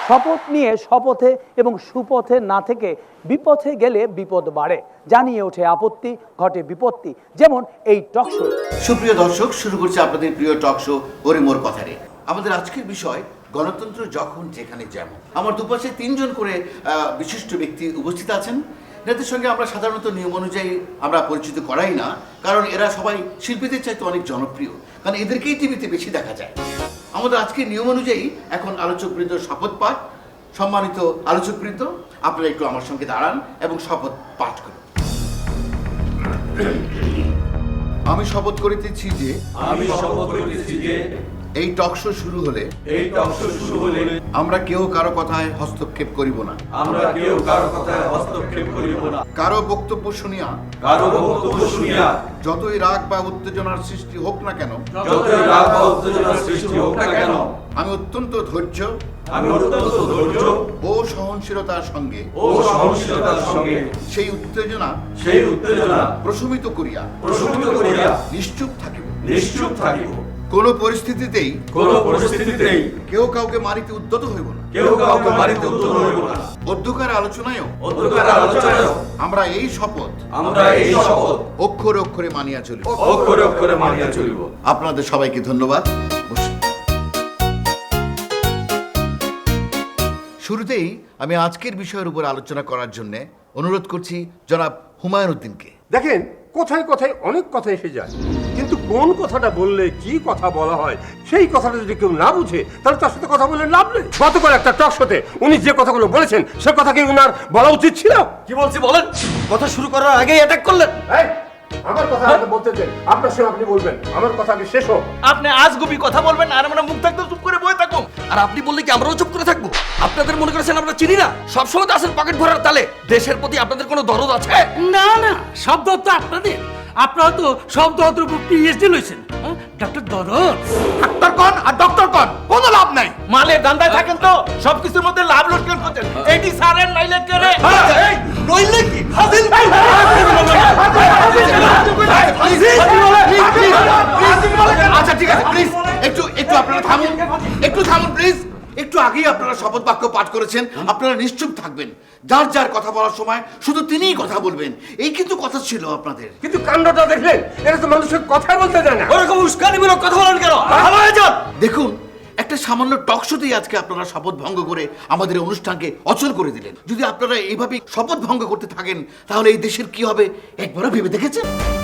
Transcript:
শপথ নিয়ে শপথে এবং সুপথে না থেকে বিপথে গেলে বিপদ বাড়ে, জানিয়ে ওঠে আপত্তি, ঘটে বিপত্তি, যেমন এই টক শো। সুপ্রিয় দর্শক, শুরু করছে আপনাদের প্রিয় টক শো ওরে মোর কথা রে। আমাদের আজকের বিষয় গণতন্ত্র যখন যেখানে যেমন। আমার দুপাশে তিনজন করে বিশিষ্ট ব্যক্তি উপস্থিত আছেন। এদের সঙ্গে আমরা সাধারণত নিয়ম অনুযায়ী আমরা পরিচিত করাই না, কারণ এরা সবাই শিল্পীদের চাইতে অনেক জনপ্রিয়, কারণ এদেরকেই টিভিতে বেশি দেখা যায়। আমাদের আজকের নিয়ম অনুযায়ী এখন আলোচকবৃন্দ শপথ পাঠ। সম্মানিত আলোচকবৃন্দ, আপনারা একটু আমার সঙ্গে দাঁড়ান এবং শপথ পাঠ করুন। আমি শপথ করিতেছি যে এই টক শো শুরু হলে আমরা কেউ কারো কথায় হস্তক্ষেপ করিব না। কারো বক্তব্য শুনিয়া যতই রাগ বা উত্তেজনার সৃষ্টি হোক না কেন, আমি অত্যন্ত ধৈর্য ও সহনশীলতার সঙ্গে সেই উত্তেজনা প্রশমিত করিয়া নিশ্চুপ থাকিব। কোন পরিস্থিতিতেই কেউ কাউকে মারিতে উদ্যত হইব না। অধ্যকার আলোচনায়ও আমরা এই শপথ অক্ষরে অক্ষরে মানিয়া চলিব। আপনাদের সবাইকে ধন্যবাদ। শুরুতেই আমি আজকের বিষয়ের উপর আলোচনা করার জন্য অনুরোধ করছি জনাব হুমায়ুন উদ্দিনকে। দেখেন, কথায় কথায় অনেক কথা এসে যায়, কিন্তু কোন কথাটা বললে কি কথা বলা হয় সেই কথাটা যদি কেউ না বুঝে তাহলে তার সাথে কথা বলে লাভ নেই। গতকাল একটা টক শোতে উনি যে কথাগুলো বলেছেন সে কথা কি উনার বলা উচিত ছিল? কি বলছি বলেন? কথা শুরু করার আগেই অ্যাটাক করলেন। আমার কথা আগে বলতে দেন, আপনার সঙ্গে আপনি বলবেন, আমার কথা আগে শেষ হোক। আপনি আজগুবি কথা বলবেন আর আমরা মুখ থাকতে চুপ করে বসে থাকবো, আর আপনি বললে কি আমরাও চুপ করে থাকবো? আপনাদের মনে করেছেন আমরা চিনি না? সবসময় তো আসেন পকেট ভরার তালে। দেশের প্রতি আপনাদের কোনো দরদ আছে? না না, শব্দ তো আপনাদের, আপনারা তো শব্দ উপর পিএইচডি লইছেন। ডক্টর দরদ ডাক্তার কোন আর ডক্টর কোন, কোনো লাভ নাই। মালের দান্দায় থাকেন তো সবকিছুর মধ্যে লাভ লোকসান করছেন। এইটি সারেন নাইলে করে এই নইলে কি হাজির আচ্ছা ঠিক আছে, প্লিজ একটু আপনারা থামুন প্লিজ। একটু আগেই আপনারা শপথ বাক্য পাঠ করেছেন, আপনারা নিশ্চুপ থাকবেন। যার যার কথা বলার সময় শুধু তিনিই কথা বলবেন, এই কিন্তু কথা ছিল আপনাদের। কিন্তু কাণ্ডটা দেখলেন, এরা তো মানুষের কথা বলতে দেয় না। ওরকম উস্কানিমূলক কথা বলেন কেন? ভালো হয়ে যান। দেখুন, একটা সামান্য টক শোতেই আজকে আপনারা শপথ ভঙ্গ করে আমাদের অনুষ্ঠানকে অচল করে দিলেন। যদি আপনারা এইভাবে শপথ ভঙ্গ করতে থাকেন তাহলে এই দেশের কি হবে একবারও ভেবে দেখেছেন?